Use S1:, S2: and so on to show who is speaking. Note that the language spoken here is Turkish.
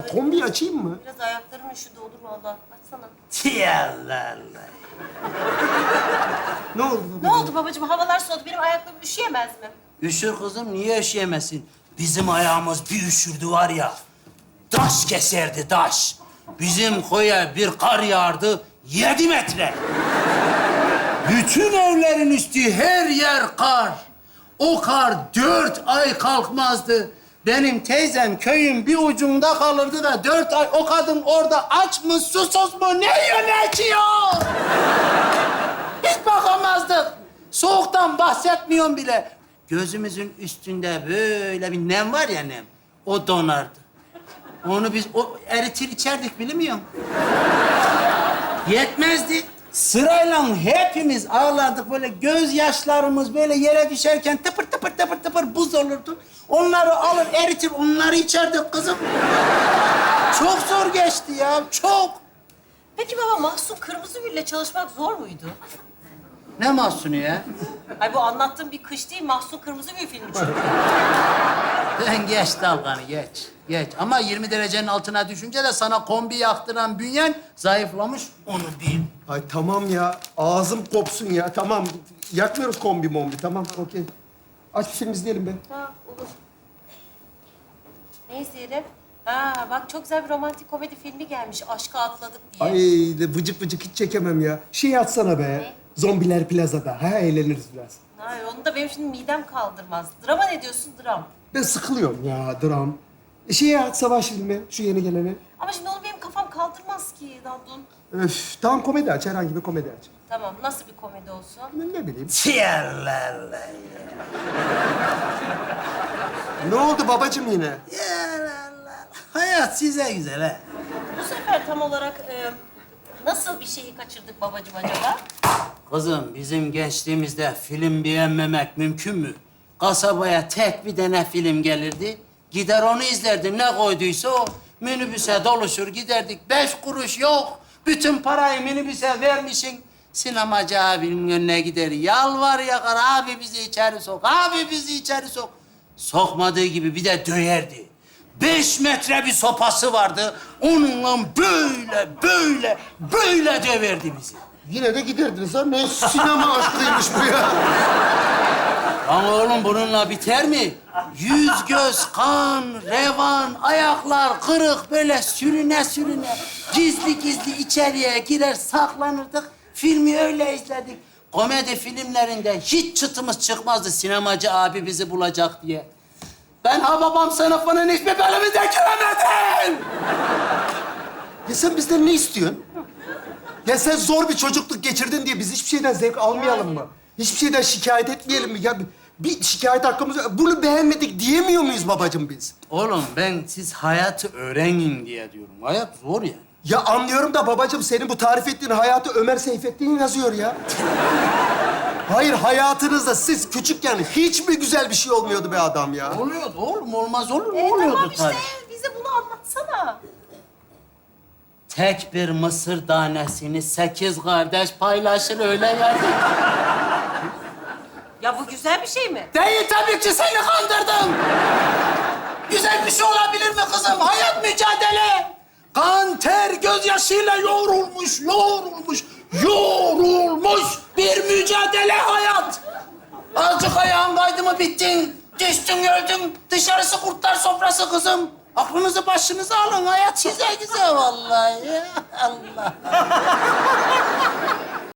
S1: Kombi açayım mı?
S2: Biraz ayaklarım üşüdü olur vallahi. Açsana.
S3: Allah Allah.
S1: Ne oldu?
S2: Ne oldu babacığım? Havalar soğudu. Benim ayaklarım üşüyemez mi?
S3: Üşür kızım, niye üşüyemesin? Bizim ayağımız bir üşürdü var ya, taş keserdi taş. Bizim koya bir kar yağardı, 7 metre. Bütün evlerin üstü her yer kar. O kar 4 ay kalkmazdı. Benim teyzem köyün bir ucunda kalırdı da 4 ay o kadın orada aç mı, susuz mu, ne yiyor, ne içiyor? Hiç bakamazdık. Soğuktan bahsetmiyorum bile. Gözümüzün üstünde böyle bir nem var ya nem. O donardı. Onu biz eritir içerdik bilmiyor musun? Yetmezdi. Sırayla hepimiz ağlardık böyle gözyaşlarımız böyle yere düşerken tıpır tıpır tıpır tıpır buz olurdu. Onları alır eritir onları içerdik kızım. Çok zor geçti ya çok.
S2: Peki baba Mahsun Kırmızıgül'le çalışmak zor muydu?
S3: Ne mahsunu ya?
S2: Ay bu anlattığım bir kış değil, Mahsun Kırmızıgül filmi çünkü.
S3: Sen geç dalganı geç. Geç. Ama 20 derecenin altına düşünce de sana kombi yaktıran bünyen zayıflamış onu bil.
S1: Ay tamam ya. Ağzım kopsun ya. Tamam. Yakmıyoruz kombi mombi. Tamam, okey. Aç bir film izleyelim be.
S2: Ha olur. Ne izleyelim? Ha bak çok güzel bir romantik komedi filmi gelmiş. Aşka atladık diye.
S1: Ay de vıcık vıcık hiç çekemem ya. Şey atsana be.
S2: Ne?
S1: Zombiler plazada. Ha eğleniriz biraz.
S2: Hayır onu da benim şimdi midem kaldırmaz. Drama ne diyorsun dram?
S1: Ben sıkılıyorum ya dram. Şeye at savaş filmi. Şu yeni geleni.
S2: Ama şimdi onu benim kafam kaldırmaz ki Dandun.
S1: Öf. Tamam komedi aç. Herhangi bir komedi aç.
S2: Tamam nasıl bir komedi olsun?
S1: Ne bileyim.
S3: Tiyalala.
S1: Ne oldu babacığım yine?
S3: Yalala. Hayat size güzel ha.
S2: Bu sefer tam olarak nasıl bir şeyi kaçırdık babacığım acaba?
S3: Kızım bizim gençliğimizde film beğenmemek mümkün mü? Kasabaya tek bir tane film gelirdi. Gider onu izlerdim. Ne koyduysa o. Minibüse doluşur giderdik. 5 kuruş yok. Bütün parayı minibüse vermişsin. Sinemacı abinin önüne gider. Yalvar yakar. Abi bizi içeri sok. Abi bizi içeri sok. Sokmadığı gibi bir de döverdi. 5 metre bir sopası vardı. Onunla böyle döverdi bizi.
S1: Yine de giderdiniz ha. Ne sinema aşkıymış bu ya.
S3: Ama oğlum bununla biter mi? Yüz göz kan, revan, ayaklar kırık böyle sürüne sürüne gizli gizli içeriye girer saklanırdık. Filmi öyle izledik. Komedi filmlerinde hiç çıtımız çıkmazdı sinemacı abi bizi bulacak diye. Ben Hababam sınıfının hiçbir bölümünde giremedim.
S1: Ya sen bizden ne istiyorsun? Ya sen zor bir çocukluk geçirdin diye biz hiçbir şeyden zevk almayalım mı? Hiçbir şeyden şikayet etmeyelim mi? Ya bir şikayet hakkımız yok. Bunu beğenmedik diyemiyor muyuz babacığım biz?
S3: Oğlum ben siz hayatı öğrenin diye diyorum. Hayat zor yani.
S1: Ya anlıyorum da babacığım senin bu tarif ettiğin hayatı Ömer Seyfettin yazıyor ya. Hayır hayatınızda siz küçükken hiç mi güzel bir şey olmuyordu be adam ya?
S3: Oluyordu oğlum olmaz olur mu? Oluyordu
S2: Tamam işte
S3: tabii.
S2: bize bunu anlatsana.
S3: Tek bir mısır tanesini 8 kardeş paylaşır öyle yerdi.
S2: Ya bu güzel bir şey mi?
S3: Değil tabii ki seni kandırdım. Güzel bir şey olabilir mi kızım? Hayat mücadele. Kan, ter, gözyaşıyla yoğrulmuş bir mücadele hayat. Azıcık ayağın kaydı mı bittin. Düştün öldün. Dışarısı kurtlar sofrası kızım. Aklınızı başınıza alın. Hayat size güzel vallahi. Allah.